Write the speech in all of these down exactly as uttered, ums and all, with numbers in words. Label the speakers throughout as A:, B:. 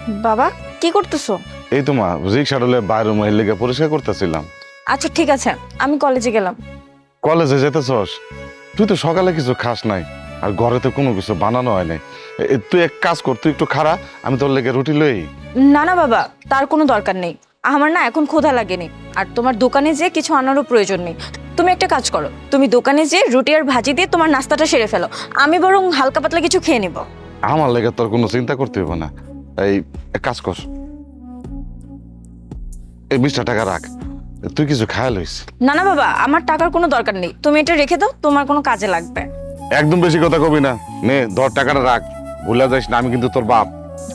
A: বাবা কি করতেছো?
B: এই তো মা, রিক্সা ডলে বাইরে মহিলা লেগে পরিষ্কার করতেছিলাম।
A: আচ্ছা ঠিক আছে, আমি কলেজে গেলাম।
B: কলেজে যেতেছস? তুই তো সকালে কিছু খাস নাই, আর ঘরে তো কোনো কিছু বানানো হয় নাই। এ, তুই এক কাজ কর, তুই একটু খাড়া, আমি তোর লেগে রুটি লই।
A: না না বাবা, তার কোনো দরকার নেই। আমার না এখন ক্ষুধা লাগেনি, আর তোমার দোকানে যে কিছু আনারও প্রয়োজন নেই। তুমি একটা কাজ করো, তুমি দোকানে যে রুটি আর ভাজি দিয়ে তোমার নাস্তাটা সেরে ফেলো, আমি বরং হালকা পাতলা কিছু খেয়ে নেব।
B: আমার লেগে তোর কোনো চিন্তা করতে হবে না। এই এক কাজ কর, এই বিশটা টাকা রাখ, তুই কিছু খায় লইস।
A: না না বাবা, আমার টাকার কোনো দরকার নেই, তুমি এটা রেখে দাও, তোমার কোনো কাজে লাগবে।
B: একদম বেশি কথা কবি না, নে ধর টাকাটা রাখ, ভুলে যাইস না আমি কিন্তু তোর বাপ।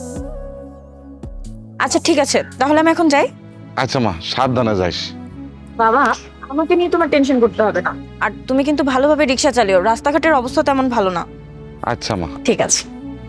A: আচ্ছা ঠিক আছে, তাহলে আমি এখন যাই।
B: আচ্ছা মা, সাবধানে যাইস।
A: বাবা, আমাকে নিয়ে তোমার টেনশন করতে হবে না, আর তুমি কিন্তু ভালোভাবে রিক্সা চালিও, রাস্তাঘাটের অবস্থা তেমন ভালো না।
B: আচ্ছা মা।
A: ঠিক আছে।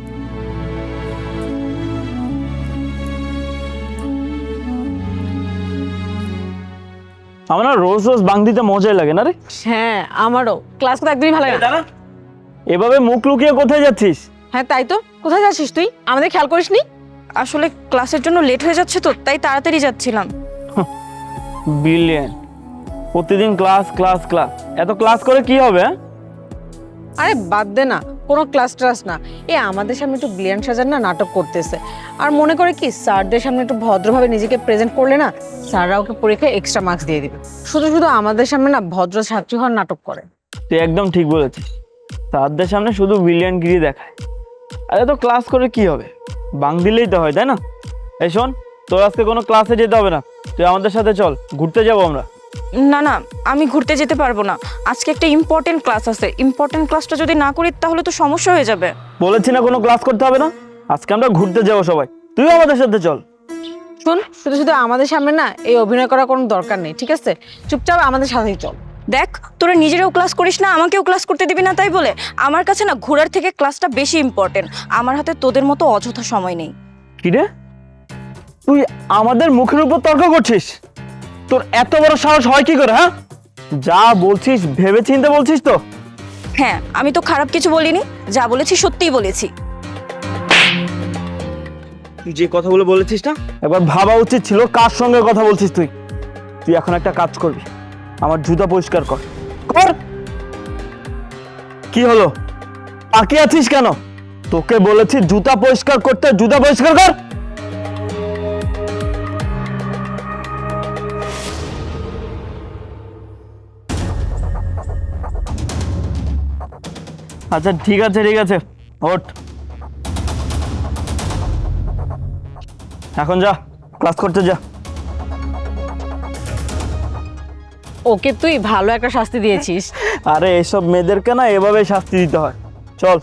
C: আমার না রোজ রোজ বাং দিতে মজাই লাগে না রে।
D: হ্যাঁ আমারও ক্লাস করতে একদমই ভালো লাগে না।
C: এভাবে মুখ লুকিয়ে কোথায় যাচ্ছিস?
D: হ্যাঁ তাই তো, কোথায় যাচ্ছিস তুই? আমাদের খেয়াল করিসনি?
A: আসলে ক্লাসের জন্য লেট হয়ে যাচ্ছে তো, তাই তাড়াতাড়ি যাচ্ছিলাম।
C: বিলিয়ন, প্রতিদিন ক্লাস ক্লাস ক্লাস, এত ক্লাস করে কি হবে? হ্যাঁ?
D: আরে বাদ দে না, কোনো ক্লাস ট্রাস না। এ আমাদের সামনে একটু ব্লিয়ান সাজার না নাটক করতেছে, আর মনে করে কি স্যারদের সামনে একটু ভদ্রভাবে নিজেকে প্রেজেন্ট করলে না স্যাররা ওকে পরীক্ষায় এক্সট্রা মার্কস দিয়ে দিবে। শুধু শুধু আমাদের সামনে না ভদ্র ছাত্রী হওয়ার নাটক করে।
C: তুই একদম ঠিক বলেছিস, তাদের সামনে শুধু বিলিয়ন গিরি দেখায়। আরে তো ক্লাস করে কি হবে, বাং দিলেই তো হয়, তাই না? এই শোন, তোর আজকে কোনো ক্লাসে যেতে হবে না, তুই আমাদের সাথে চল, ঘুরতে যাবো আমরা।
A: না না, আমি ঘুরতে যেতে পারবো না, আজকে একটা ইম্পর্টেন্ট ক্লাস আছে। ইম্পর্টেন্ট ক্লাসটা যদি না করি তাহলে তো সমস্যা হয়ে যাবে।
C: বলেছি না কোনো ক্লাস করতে হবে না, আজকে আমরা ঘুরতে যাবো সবাই, তুইও আমাদের সাথে চল।
D: শোন, শুধু শুধু আমাদের সামনে না এই অভিনয় করার কোনো দরকার নেই, ঠিক আছে? চুপচাপ আমাদের সাথেই চল।
A: দেখ, তোরা নিজেরাও ক্লাস করিস না, আমাকেও ক্লাস করতে দিবি না তাই বলে? আমার কাছে না ঘোরার থেকে ক্লাসটা বেশি ইম্পর্টেন্ট, আমার হাতে তোদের মতো অযথা সময় নেই।
C: কি রে, তুই আমাদের মুখের উপর তর্ক করছিস? তোর এত বড় সাহস হয় কি করে? হ্যাঁ, যা বলছিস ভেবে চিন্তে বলছিস তো?
A: হ্যাঁ, আমি তো খারাপ কিছু বলিনি, যা বলেছি সত্যিই বলেছি।
C: তুই যে কথাগুলো বলেছিস না, একবার ভাবা উচিত ছিল কার সঙ্গে কথা বলছিস তুই। তুই এখন একটা কাজ করবি, আমার জুতা পরিষ্কার কর। কর। কি হলো, তাকিয়ে আছিস কেন? তোকে বলেছি জুতা পরিষ্কার করতে, জুতা পরিষ্কার কর। আচ্ছা ঠিক আছে ঠিক আছে, ওঠ, এখন যা ক্লাস করতে যা।
D: ওকে তুই ভালো একটা শাস্তি দিয়েছিস।
C: আরে এসব মেয়েদেরকে না এভাবে শাস্তি দিতে হয়, চল।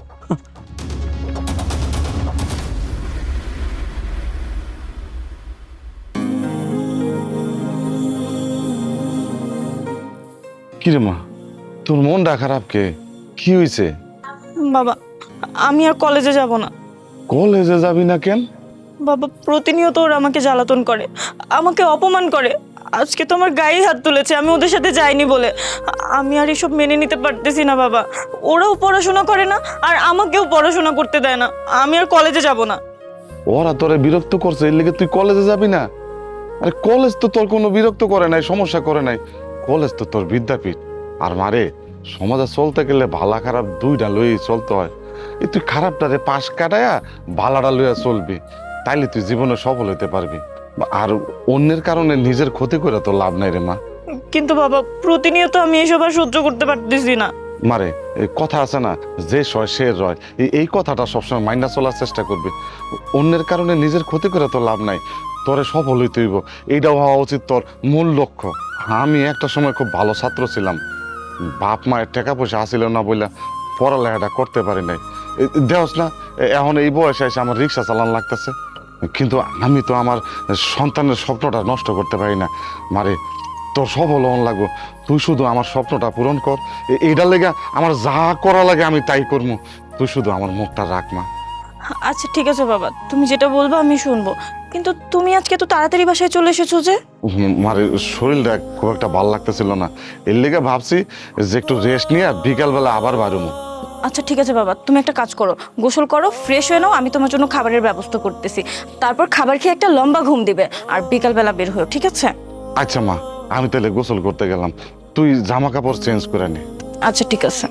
B: কিরে মা, তোর মনটা খারাপ কে? কি হয়েছে?
A: বাবা, আমি আর কলেজে যাব না।
B: কলেজে যাবি না কেন?
A: বাবা, প্রতিনিয়ত ওরা আমাকে জ্বালাতন করে, আমাকে অপমান করে। আজকে তো আমার গায়ে হাত তুলেছে আমি ওদের সাথে যাইনি বলে। আমি আর এসব মেনে নিতে পারতেছি না বাবা। ওরাও পড়াশোনা করে না, আর আমাকেও পড়াশোনা করতে দেয় না। আমি আর কলেজে যাব না।
B: ওরা তোরে বিরক্ত করছে, এর লেগে তুই কলেজে যাবি না? আরে কলেজ তো তোর কোনো বিরক্ত করে নাই, সমস্যা করে নাই। কলেজ তো তোর বিদ্যাপীঠ। আর মারে, সমাজে চলতে গেলে ভালা খারাপ দুইটা লইয়া চলতে হয়। এই তুই খারাপটারে পাশ কাটায়া ভালাটা লইয়া চলবি, তাইলে তুই জীবনে সফল হইতে পারবি। আর অন্যের কারণে নিজের ক্ষতি করে তো লাভ নাই রে মা।
A: কিন্তু বাবা, প্রতিনিয়ত আমি এসব আর সহ্য করতে পারতেছি না।
B: মারে, এই কথা আছে না, যে সয় সে রয়, এই- এই কথাটা সবসময় মাইন্ডা চলার চেষ্টা করবি। অন্যের কারণে নিজের ক্ষতি করে তো লাভ নাই, তোরে সফল হইতে হইব, এইটাও হওয়া উচিত তোর মূল লক্ষ্য। আমি একটা সময় খুব ভালো ছাত্র ছিলাম, বাপ মায়ের টাকা পয়সা আসিল না বলে পড়ালেখাটা করতে পারি নাই। দেওস না, এ- এখন এই বয়সে এসে আমার রিক্সা চালান লাগতেছে, কিন্তু আমি তো আমার সন্তানের স্বপ্নটা নষ্ট করতে পারি না। মারে, তোর সফল হন লাগবো, তুই শুধু আমার স্বপ্নটা পূরণ কর। এ- এইটার লেগে আমার যা করা লাগে আমি তাই করবো, তুই শুধু আমার মুখটা রাখ মা।
A: আচ্ছা ঠিক আছে বাবা, তুমি যেটা বলবো আমি শুনবো, কিন্তু তুমি আজকে তো তাড়াতাড়ি বাসায় চলে এসেছো যে?
B: হুম, মারে শরীরটা খুব একটা ভালো লাগতেছিল না, এর লেগে ভাবছি যে একটু রেস্ট নিয়ে বিকালবেলা আবার বাড়ুমো।
A: আচ্ছা ঠিক আছে বাবা, তুমি একটা কাজ করো, গোসল করো, ফ্রেশ হয়ে নাও, আমি তোমার জন্য খাবারের ব্যবস্থা করতেছি। তারপর খাবার খেয়ে একটা লম্বা ঘুম দিবে, আর বিকালবেলা বের হয়েও, ঠিক আছে?
B: আচ্ছা মা, আমি তাহলে গোসল করতে গেলাম, তুই জামা কাপড় চেঞ্জ করে নে।
A: আচ্ছা ঠিক আছে।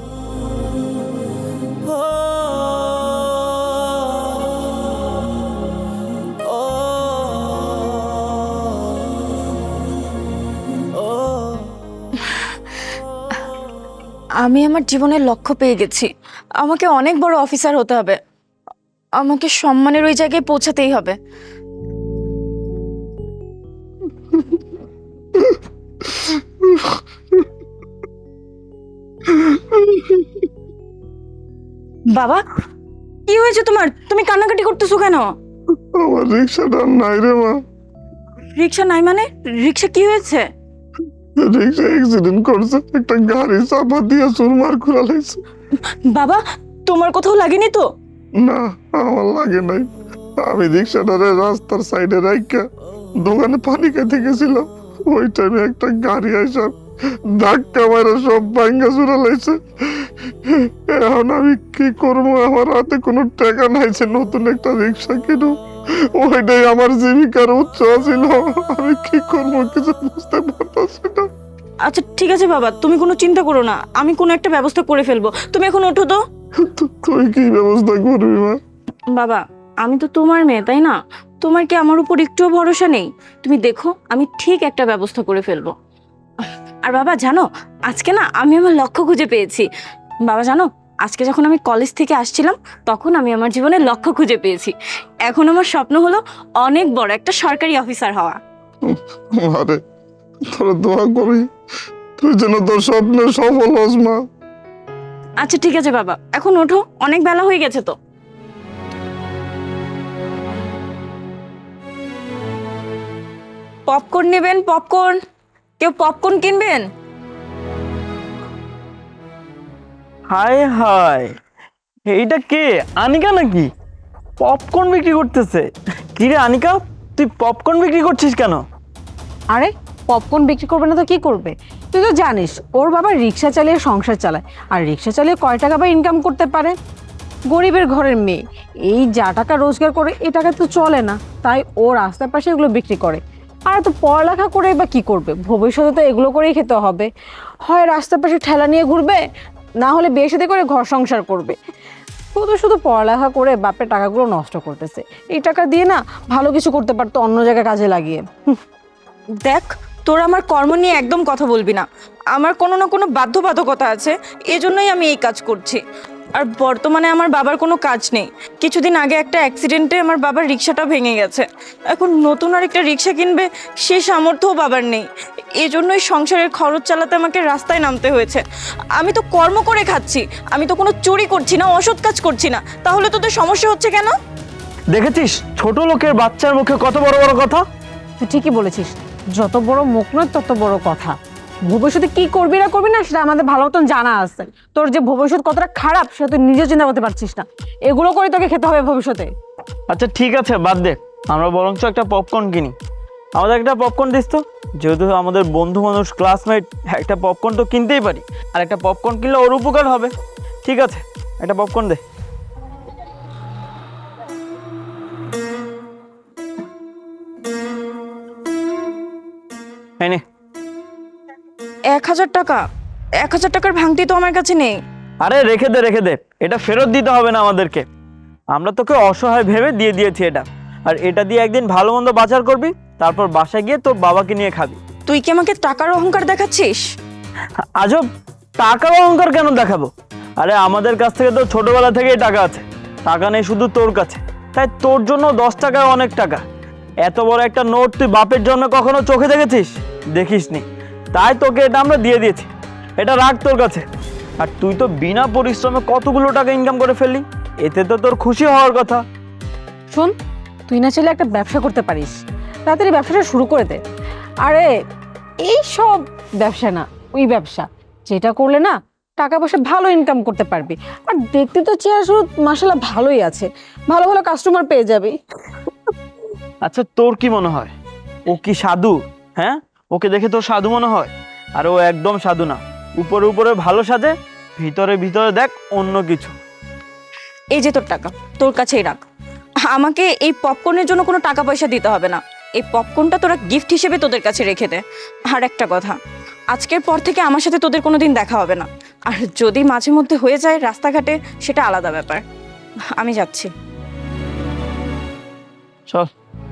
A: আমি আমার জীবনের লক্ষ্য পেয়ে গেছি। আমাকে অনেক বড় অফিসার হতে হবে, আমাকে সম্মানের ওই জায়গায় পৌঁছাতেই হবে। বাবা, কি হয়েছে তোমার? তুমি কান্নাকাটি করতেছো কেন?
B: আমার রিক্সাটা নাই রে মা।
A: রিক্সা নাই মানে? রিক্সা কি হয়েছে?
B: রিক্সা অ্যাক্সিডেন্ট করছে, একটা গাড়ি চাপা দিয়ে চুরমার খুলা লাইছে।
A: বাবা, তোমার কোথাও লাগেনি তো?
B: না, আমার লাগে নাই। আমি রিক্সাটারে রাস্তার সাইডে রাইখা দোকানে পানি খেতে গেছিলাম, ওই টাইমে একটা গাড়ি আইসা ধাক্কা মারা সব ভাঙ্গা চুরা লাইছে। এখন আমি কি করবো? আমার হাতে কোনো টাকা নাই যে নতুন একটা রিক্সা কিনু, ওইটাই আমার জীবিকার উৎস ছিল। আমি কি করবো কিছু বুঝতে পারতাছি না।
A: আচ্ছা ঠিক আছে বাবা, তুমি কোনো চিন্তা করো না, আমি কোনো একটা ব্যবস্থা করে ফেলবো। তুমি এখন ওঠো তো।
B: তু- তুই কি ব্যবস্থা করবি মা?
A: বাবা, আমি তো তোমার মেয়ে, তাই না? তোমার কি আমার উপর একটুও ভরসা নেই? তুমি দেখো, আমি ঠিক একটা ব্যবস্থা করে ফেলবো। আর বাবা জানো, আজকে না আমি আমার লক্ষ্য খুঁজে পেয়েছি। বাবা জানো, আজকে যখন আমি কলেজ থেকে আসছিলাম, তখন আমি আমার জীবনের লক্ষ্য খুঁজে পেয়েছি। এখন আমার স্বপ্ন হলো অনেক বড় একটা সরকারি অফিসার হওয়া।
B: আরে তোরা দোয়া করি তুই যেন তোর স্বপ্নে সফল হস মা।
A: আচ্ছা ঠিক আছে বাবা, এখন ওঠো, অনেক বেলা হয়ে গেছে তো। পপকর্ন নেবেন? পপকর্ন? কেউ পপকর্ন কিনবেন?
C: হায় হায়, এইটা কে? আনিকা নাকি পপকর্ন বিক্রি করতেছে? কি রে আনিকা, তুই পপকর্ন বিক্রি করছিস কেন?
D: আরে পপকর্ন বিক্রি করবে না তো কি করবে? তুই তো জানিস ওর বাবা রিক্সা চালিয়ে সংসার চালায়, আর রিক্সা চালিয়ে কয় টাকা বা ইনকাম করতে পারে? গরিবের ঘরের মেয়ে, এই যা টাকা রোজগার করে এই টাকা তো চলে না, তাই ও রাস্তার পাশে এগুলো বিক্রি করে। আর তো পড়ালেখা করে বা কি করবে? ভবিষ্যতে তো এগুলো করেই খেতে হবে। হয় রাস্তার পাশে ঠেলা নিয়ে ঘুরবে, না হলে বিয়ে শাদী করে ঘর সংসার করবে। শুধু শুধু পড়ালেখা করে বাপের টাকাগুলো নষ্ট করতেছে। এই টাকা দিয়ে না ভালো কিছু করতে পারতো অন্য জায়গায় কাজে লাগিয়ে।
A: দেখ, তোর আমার কর্ম নিয়ে একদম কথা বলবি না। আমার কোনো না কোনো বাধ্যবাধকতা আছে, এজন্যই আমি এই কাজ করছি। আর বর্তমানে আমার বাবার কোনো কাজ নেই। কিছুদিন আগে একটা অ্যাক্সিডেন্টে আমার বাবার রিক্সাটা ভেঙে গেছে। এখন নতুন আর একটা রিক্সা কিনবে সে সামর্থ্যও বাবার নেই। এজন্যই সংসারের খরচ চালাতে আমাকে রাস্তায় নামতে হয়েছে। আমি তো কর্ম করে খাচ্ছি, আমি তো কোনো চুরি করছি না, অসৎ কাজ করছি না। তাহলে তোদের সমস্যা হচ্ছে কেন?
C: দেখেছিস ছোট লোকের বাচ্চার মুখে কত বড় বড় কথা।
D: তুই ঠিকই বলেছিস, যত বড় মুখ নয় তত বড় কথা। ভবিষ্যতে কি করবি না করবি না সেটা আমাদের ভালো মতন জানা আছে। তোর যে ভবিষ্যৎ কতটা খারাপ সেটা তুই নিজে চিন্তা করতে পারছিস না। এগুলো করে তোকে খেতে হবে ভবিষ্যতে।
C: আচ্ছা ঠিক আছে, বাদ দে, আমরা বরঞ্চ একটা পপকর্ন কিনি। আমাদের একটা পপকর্ন দিস তো, যেহেতু আমাদের বন্ধু মানুষ, ক্লাসমেট, একটা পপকর্ন তো কিনতেই পারি। আর একটা পপকর্ন কিনলে ওর উপকার হবে। ঠিক আছে, একটা পপকর্ন দে। এই নে।
A: এক হাজার টাকা? এক হাজার টাকার ভাঙতি তো আমার কাছে নেই।
C: আরে রেখে দে রেখে দে, এটা ফেরত দিতে হবে না আমাদেরকে। আমরা তোকে অসহায় ভেবে দিয়ে দিয়েছি এটা। আর এটা দিয়ে একদিন ভালো মন্দ বাজার করবি, তারপর বাসায় গিয়ে তোর বাবাকে নিয়ে খাবি।
A: তুই কি আমাকে টাকার অহংকার দেখাচ্ছিস?
C: আজব, টাকার অহংকার কেন দেখাবো? আরে আমাদের কাছ থেকে তো ছোটবেলা থেকেই টাকা আছে। টাকা নেই শুধু তোর কাছে, তাই তোর জন্য দশ টাকায় অনেক টাকা। এত বড় একটা নোট তুই বাপের জন্য কখনো চোখে দেখেছিস? দেখিসনি, তাই তোকে এটা আমরা দিয়ে দিয়েছি। এটা রাখ তোর কাছে। আর তুই তো বিনা পরিশ্রমে কতগুলো টাকা ইনকাম করে ফেললি, এতে তো তোর খুশি হওয়ার কথা।
D: শোন, তুই না চাইলে একটা ব্যবসা করতে পারিস, তাড়াতাড়ি ব্যবসাটা শুরু করে দে। আরে এই সব ব্যবসা না, ওই ব্যবসা যেটা করলে না টাকা পয়সা ভালো ইনকাম করতে পারবি। আর দেখতে তো চেয়ার শুরু মাসাল্লাহ ভালোই আছে, ভালো ভালো কাস্টমার পেয়ে যাবি।
C: আচ্ছা তোর কি মনে হয় ও কি সাধু? হ্যাঁ, ওকে দেখে তোর সাধু মনে হয়? আর ও একদম সাধু না। উপরে উপরে ভালো সাজে, ভিতরে ভিতরে দেখ অন্য কিছু।
A: এই যে তোর টাকা, তোর কাছেই রাখ। আমাকে এই পপকর্নের জন্য কোনো টাকা পয়সা দিতে হবে না। এই পপকর্নটা তোরা গিফট হিসেবে তোদের কাছে রেখে দে। আর একটা কথা, আজকের পর থেকে আমার সাথে তোদের কোনো দিন দেখা হবে না। আর যদি মাঝে মধ্যে হয়ে যায় রাস্তাঘাটে, সেটা আলাদা ব্যাপার। আমি যাচ্ছি।
C: চল।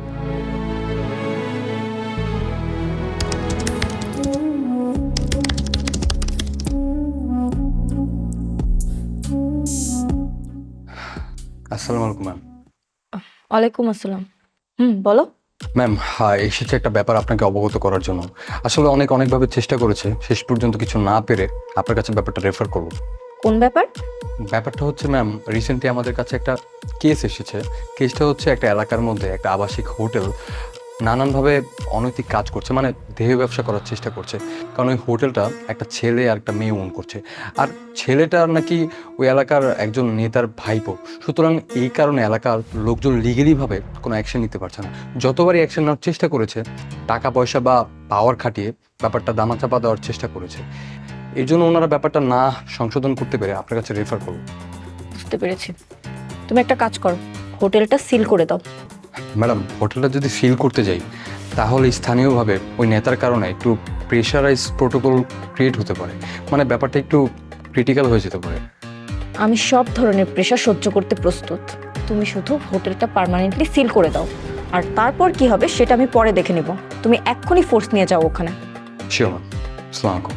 E: আসসালামু আলাইকুম ম্যাম।
A: ওয়ালাইকুম আসসালাম। হুম, বলো।
E: ম্যাম, হ্যাঁ, এসেছে একটা ব্যাপার আপনাকে অবগত করার জন্য। আসলে অনেক অনেকভাবে চেষ্টা করেছে, শেষ পর্যন্ত কিছু না পেরে আপনার কাছে ব্যাপারটা রেফার করব।
A: কোন ব্যাপার?
E: ব্যাপারটা হচ্ছে ম্যাম, রিসেন্টলি আমাদের কাছে একটা কেস এসেছে। কেসটা হচ্ছে একটা এলাকার মধ্যে একটা আবাসিক হোটেল নানানভাবে অনৈতিক কাজ করছে, মানে দেহ ব্যবসা করার চেষ্টা করছে। কারণ ওই হোটেলটা একটা ছেলে আর একটা মেয়ে ওন করছে, আর ছেলেটার নাকি ওই এলাকার একজন নেতার ভাইপো। সুতরাং এই কারণে এলাকার লোকজন লিগেলিভাবে কোনো অ্যাকশন নিতে পারছে না। যতবারই অ্যাকশন নেওয়ার চেষ্টা করেছে, টাকা পয়সা বা পাওয়ার খাটিয়ে ব্যাপারটা দামাচাপা দেওয়ার চেষ্টা করেছে। এই জন্য ওনারা ব্যাপারটা না সংশোধন করতে পেরে আপনার কাছে রেফার করব।
A: বুঝতে পেরেছি। তুমি একটা কাজ করো, হোটেলটা সিল করে দাও।
E: ম্যাডাম, হোটেলটা যদি সিল করতে যাই তাহলে স্থানীয়ভাবে ওই নেতার কারণে একটু প্রেশারাইজ প্রোটোকল ক্রিয়েট হতে পারে, মানে ব্যাপারটা একটু ক্রিটিক্যাল হয়ে যেতে পারে।
A: আমি সব ধরনের প্রেশার সহ্য করতে প্রস্তুত। তুমি শুধু হোটেলটা পার্মানেন্টলি সিল করে দাও, আর তারপর কি হবে সেটা আমি পরে দেখে নিব। তুমি এক্ষুনি ফোর্স নিয়ে যাও ওখানে।
E: Sure ma'am. আসসালামু আলাইকুম।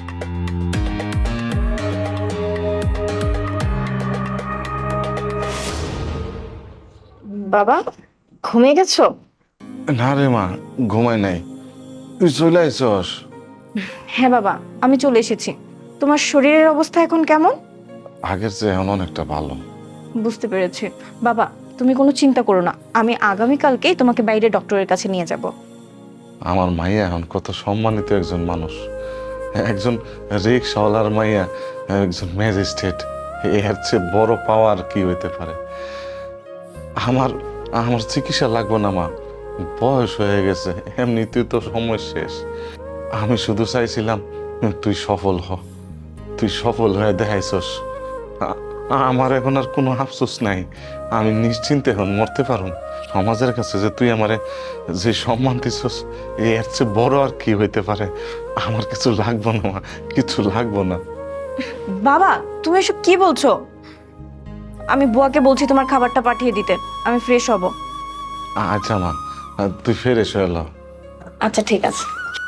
A: বাবা, ঘুমিয়ে গেছো?
B: না রে মা, ঘুমাই নাই। তুই চলে আইসস?
A: হ্যাঁ বাবা, আমি চলে এসেছি। তোমার শরীরের অবস্থা এখন কেমন?
B: আগের চেয়ে এখন অনেকটা ভালো।
A: বুঝতে পেরেছি। বাবা, তুমি কোনো চিন্তা করো না, আমি আগামীকালকেই তোমাকে বাইরে ডক্টরের কাছে নিয়ে যাব।
B: আমার মাইয়া এখন কত সম্মানিত একজন মানুষ, একজন রিক্সাওয়ালার মাইয়া, একজন ম্যাজিস্ট্রেট। এর চেয়ে বড় পাওয়ার কি হইতে পারে? আমার আমার চিকিৎসা লাগবে না মা, বয়স হয়ে গেছে, এমনিতেই তো সময় শেষ। আমি শুধু চাইছিলাম তুই সফল হ। তুই সফল হয়ে দেখাইছস। আ- আমার এখন আর কোনো আফসোস নাই। আমি নিশ্চিন্তে এখন মরতে পারুম। সমাজের কাছে যে তুই আমারে যে সম্মান দিছস, এর চেয়ে বড় আর কি হইতে পারে? আমার কিছু লাগবো না মা, কিছু লাগবো না।
A: বাবা, তুমি এসব কি বলছো? আমি বুয়াকে বলছি তোমার খাবারটা পাঠিয়ে দিতে, আমি ফ্রেশ হব।
B: আচ্ছা মা, তুই ফের এসে এলো।
A: আচ্ছা ঠিক আছে।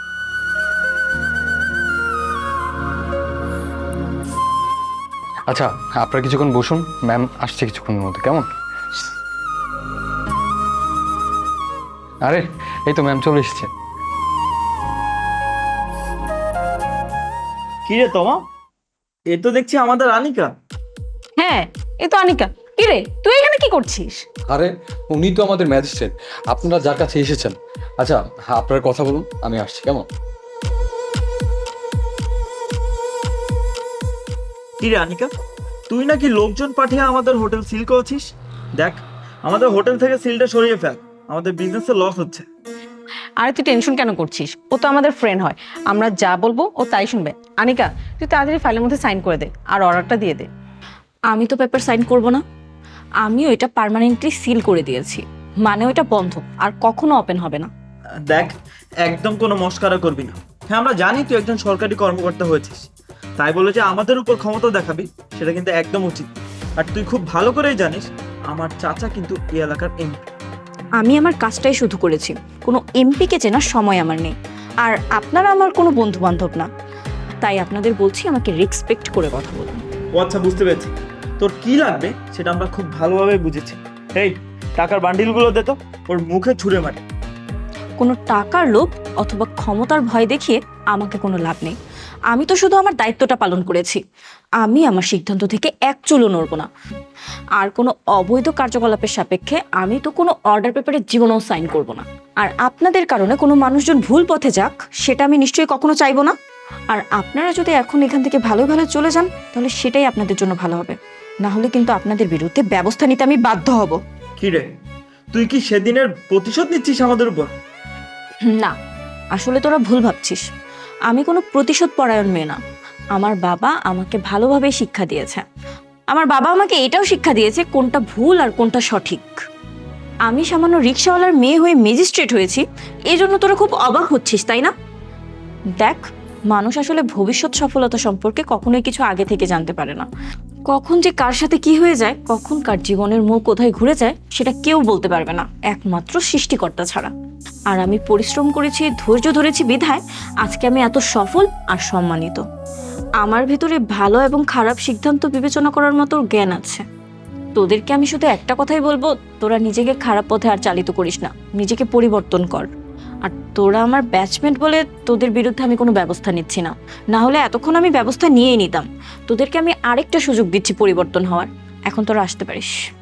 E: আচ্ছা, আপনারা কিছুক্ষণ বসুন, ম্যাম আসছে কিছুক্ষণের মধ্যে, কেমন? আরে এই তো ম্যাম চলে এসেছে।
C: কি রে তোমা, এ তো দেখছি আমাদের আনিকা।
D: হ্যাঁ, এ তো আনিকা। কি রে, তুই এখানে কি করছিস?
E: আরে উনি তো আমাদের ম্যাজিস্ট্রেট, আপনারা যার কাছে এসেছেন। আচ্ছা, হ্যাঁ, আপনারা কথা বলুন, আমি আসছি, কেমন?
C: কি রে আনিকা, তুই নাকি লোকজন পাঠিয়ে আমাদের হোটেল সিল করেছিস? দেখ, আমাদের হোটেল থেকে সিলটা সরিয়ে ফেল, আমাদের বিজনেসে লস হচ্ছে।
D: আরে তুই টেনশন কেন করছিস? ও তো আমাদের ফ্রেন্ড হয়, আমরা যা বলবো ও তাই শুনবে। আনিকা, তুই তাড়াতাড়ি ফাইলের মধ্যে সাইন করে দে আর অর্ডারটা দিয়ে দে।
A: আমি তো পেপার সাইন করব না, আমিও এটা পার্মানেন্টলি সিল করে দিয়েছি, মানে ওটা বন্ধ আর কখনো ওপেন হবে না।
C: দেখ, একদম কোনো মস্কারা করবি না। হ্যাঁ, আমরা জানি তুই একজন সরকারি কর্মকর্তা হয়েছিস, তাই বলে যে আমাদের উপর ক্ষমতা দেখাবি সেটা কিন্তু একদম উচিত। আর তুই খুব ভালো করেই জানিস আমার চাচা কিন্তু এই এলাকার এমপি।
A: আমি আমার কাজটাই শুধু করেছি, কোনো এমপিকে চেনার সময় আমার নেই। আর আপনারা আমার কোনো বন্ধু বান্ধব না, তাই আপনাদের বলছি আমাকে রেসপেক্ট করে কথা বলুন।
C: ও আচ্ছা, বুঝতে পেরেছি। তোর কি লাগবে সেটা আমরা খুব ভালোভাবে বুঝেছি। এই টাকার বান্ডিলগুলো দে তো, ওর মুখে ছুঁড়ে মারে।
A: কোনো টাকার লোভ অথবা ক্ষমতার ভয় দেখিয়ে আমাকে কোনো লাভ নেই। আমি তো শুধু আমার দায়িত্বটা পালন করেছি। আমি আমার সিদ্ধান্ত থেকে এক চুলও নড়ব না। আর কোনো অবৈধ কার্যকলাপের সাপেক্ষে আমি তো কোনো অর্ডার পেপারে জীবনেও সাইন করব না। আর আপনাদের কারণে কোনো মানুষজন ভুল পথে যাক সেটা আমি নিশ্চয়ই কখনো চাইবো না। আর আপনারা যদি এখন এখান থেকে ভালো ভালো চলে যান তাহলে সেটাই আপনাদের জন্য ভালো হবে, না হলে কিন্তু আপনাদের বিরুদ্ধে ব্যবস্থা নিতে আমি বাধ্য হব।
C: কি রে, তুই কি সেদিনের প্রতিশোধ নিচ্ছিস আমাদের উপর?
A: না, আসলে তোরা ভুল ভাবছিস। আমি কোনো প্রতিশোধ পরায়ণ মেয়ে না। আমার বাবা আমাকে ভালোভাবে শিক্ষা দিয়েছে। আমার বাবা আমাকে এটাও শিক্ষা দিয়েছে কোনটা ভুল আর কোনটা সঠিক। আমি সামান্য রিক্সাওয়ালার মেয়ে হয়ে ম্যাজিস্ট্রেট হয়েছি, এই জন্য তোরা খুব অবাক হচ্ছিস তাই না? দেখ, মানুষ আসলে ভবিষ্যৎ সফলতা সম্পর্কে কখনোই কিছু আগে থেকে জানতে পারে না। কখন যে কার সাথে কি হয়ে যায়, কখন কার জীবনের মোড় কোথায় ঘুরে যায়, সেটা কেউ বলতে পারবে না, একমাত্র সৃষ্টিকর্তা ছাড়া। আর আমি পরিশ্রম করেছি, ধৈর্য ধরেছি বিধায় আজকে আমি এত সফল আর সম্মানিত। আমার ভিতরে ভালো এবং খারাপ সিদ্ধান্ত বিবেচনা করার মতো জ্ঞান আছে। তোদেরকে আমি শুধু একটা কথাই বলবো, তোরা নিজেকে খারাপ পথে আর চালিত করিস না, নিজেকে পরিবর্তন কর। আর তোরা আমার ব্যাচমেট বলে তোদের বিরুদ্ধে আমি কোনো ব্যবস্থা নিচ্ছি না, না হলে এতক্ষণ আমি ব্যবস্থা নিয়েই নিতাম। তোদেরকে আমি আরেকটা সুযোগ দিচ্ছি পরিবর্তন হওয়ার, এখন তোরা আসতে পারিস।